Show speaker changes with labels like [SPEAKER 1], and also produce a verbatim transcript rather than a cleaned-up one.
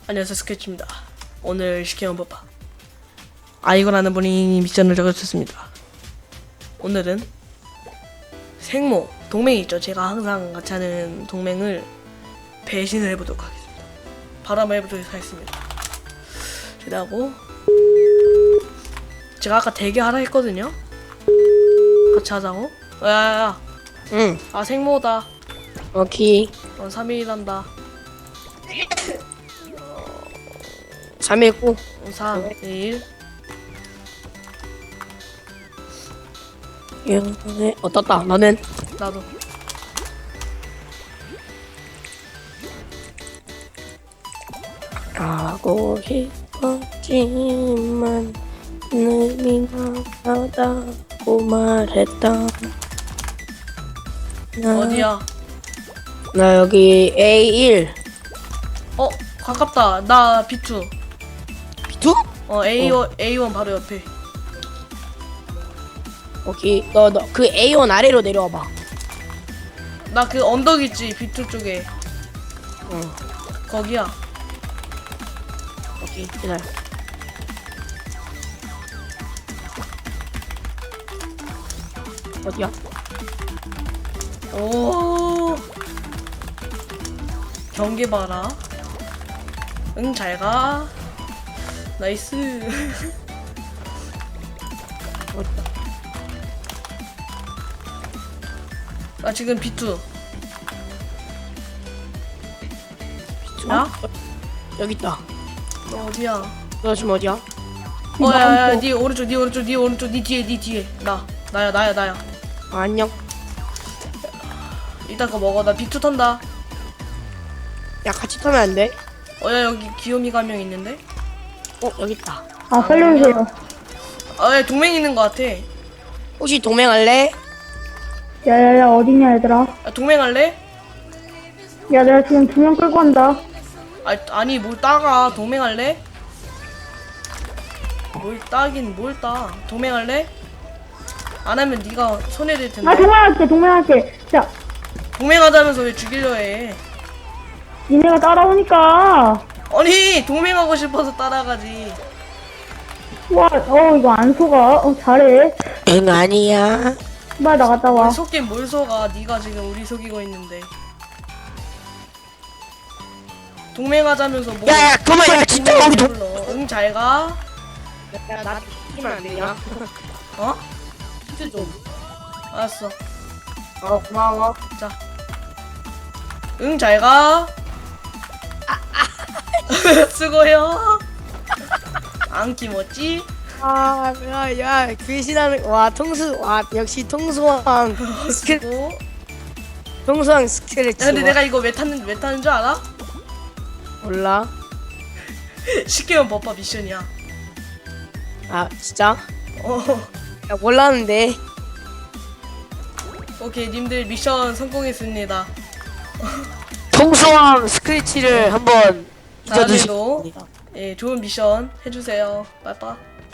[SPEAKER 1] 안녕하세요, 스케치입니다. 오늘 시키는 법 아이고라는 분이 미션을 적어주셨습니다. 오늘은 생모, 동맹이 있죠. 제가 항상 같이 하는 동맹을 배신을 해보도록 하겠습니다. 바로 한번 해보도록 하겠습니다. 그리고 제가 아까 대기하라 했거든요. 같이 하자고. 야야야.
[SPEAKER 2] 응.
[SPEAKER 1] 아 생모다.
[SPEAKER 2] 오케이.
[SPEAKER 1] 어, 삼 일한다.
[SPEAKER 2] 삼 일 구.
[SPEAKER 1] 삼, 일.
[SPEAKER 2] 예, 어떻다. 너는?
[SPEAKER 1] 나도.
[SPEAKER 2] 가고 싶었지만 눈이 나가다고 말했다. 나,
[SPEAKER 1] 어디야?
[SPEAKER 2] 나 여기 에이 일.
[SPEAKER 1] 어, 가깝다. 나 비 투.
[SPEAKER 2] 비 투?
[SPEAKER 1] 어, 에이 원, 에이 원 바로 옆에.
[SPEAKER 2] 오케이. 너 너 그 에이 일 아래로 내려와봐.
[SPEAKER 1] 나 그 언덕 있지, 비 투 쪽에.
[SPEAKER 2] 응.
[SPEAKER 1] 거기야.
[SPEAKER 2] 오케이. 기다려. 어디야?
[SPEAKER 1] 오. 경계 봐라. 응, 잘 가. 나이스.
[SPEAKER 2] 어디야?
[SPEAKER 1] 나 지금 비 투.
[SPEAKER 2] 비 투?
[SPEAKER 1] 야?
[SPEAKER 2] 여기 있다.
[SPEAKER 1] 너 어디야?
[SPEAKER 2] 너 지금 어디야?
[SPEAKER 1] 어, 야, 야, 니 오른쪽, 니 오른쪽, 니 오른쪽, 니 뒤에, 니 뒤에. 나. 나야, 나야, 나야.
[SPEAKER 2] 아, 안녕.
[SPEAKER 1] 이따 거 먹어. 나 비 투 턴다.
[SPEAKER 2] 야, 같이 타면 안 돼?
[SPEAKER 1] 어, 야, 여기 귀요미가 한 명 있는데?
[SPEAKER 2] 어, 여기 있다.
[SPEAKER 3] 아, 살려주세요.
[SPEAKER 1] 아, 야, 동맹 있는 거 같아.
[SPEAKER 2] 혹시 동맹할래?
[SPEAKER 3] 야야야, 어디냐, 얘들아.
[SPEAKER 1] 야, 동맹 할래?
[SPEAKER 3] 야, 내가 지금 두 명 끌고 간다.
[SPEAKER 1] 아, 아니 뭘 따가. 동맹할래? 뭘 따긴 뭘 따. 동맹할래? 안 하면 네가 손해될 텐데.
[SPEAKER 3] 아, 동맹할게, 동맹할게. 자,
[SPEAKER 1] 동맹하자면서 왜 죽이려 해?
[SPEAKER 3] 니네가 따라오니까.
[SPEAKER 1] 아니 동맹하고 싶어서 따라가지.
[SPEAKER 3] 와, 어, 이거 안 속아. 어, 잘해.
[SPEAKER 2] 응, 아니야.
[SPEAKER 3] 빨리 나갔다 와.
[SPEAKER 1] 속긴 뭘 속아. 네가 지금 우리 속이고 있는데. 동맹하자면서 뭐?
[SPEAKER 2] 야, 야, 그만, 야, 진짜 우리 동.
[SPEAKER 1] 응, 잘 가.
[SPEAKER 2] 야, 나한테 시키면 안 되냐?
[SPEAKER 1] 어?
[SPEAKER 2] 힌트 좀.
[SPEAKER 1] 알았어.
[SPEAKER 2] 어, 고마워.
[SPEAKER 1] 자. 응, 잘 가. 수고해요. 안 김었지?
[SPEAKER 2] 아, 야, 야, 귀신하는, 와, 통수, 와, 역시 통수왕. 스킬,
[SPEAKER 1] 수고.
[SPEAKER 2] 통수왕 스킬을
[SPEAKER 1] 야, 근데 내가 이거 왜 탔는 왜 타는 줄 알아?
[SPEAKER 2] 몰라.
[SPEAKER 1] 시키면 법바 미션이야.
[SPEAKER 2] 아, 진짜?
[SPEAKER 1] 어.
[SPEAKER 2] 야, 몰랐는데.
[SPEAKER 1] 오케이, 님들 미션 성공했습니다.
[SPEAKER 2] 통수왕 스크래치를 한번
[SPEAKER 1] 다음에도
[SPEAKER 2] 잊어주시겠습니다.
[SPEAKER 1] 예, 좋은 미션 해주세요. 빠빠.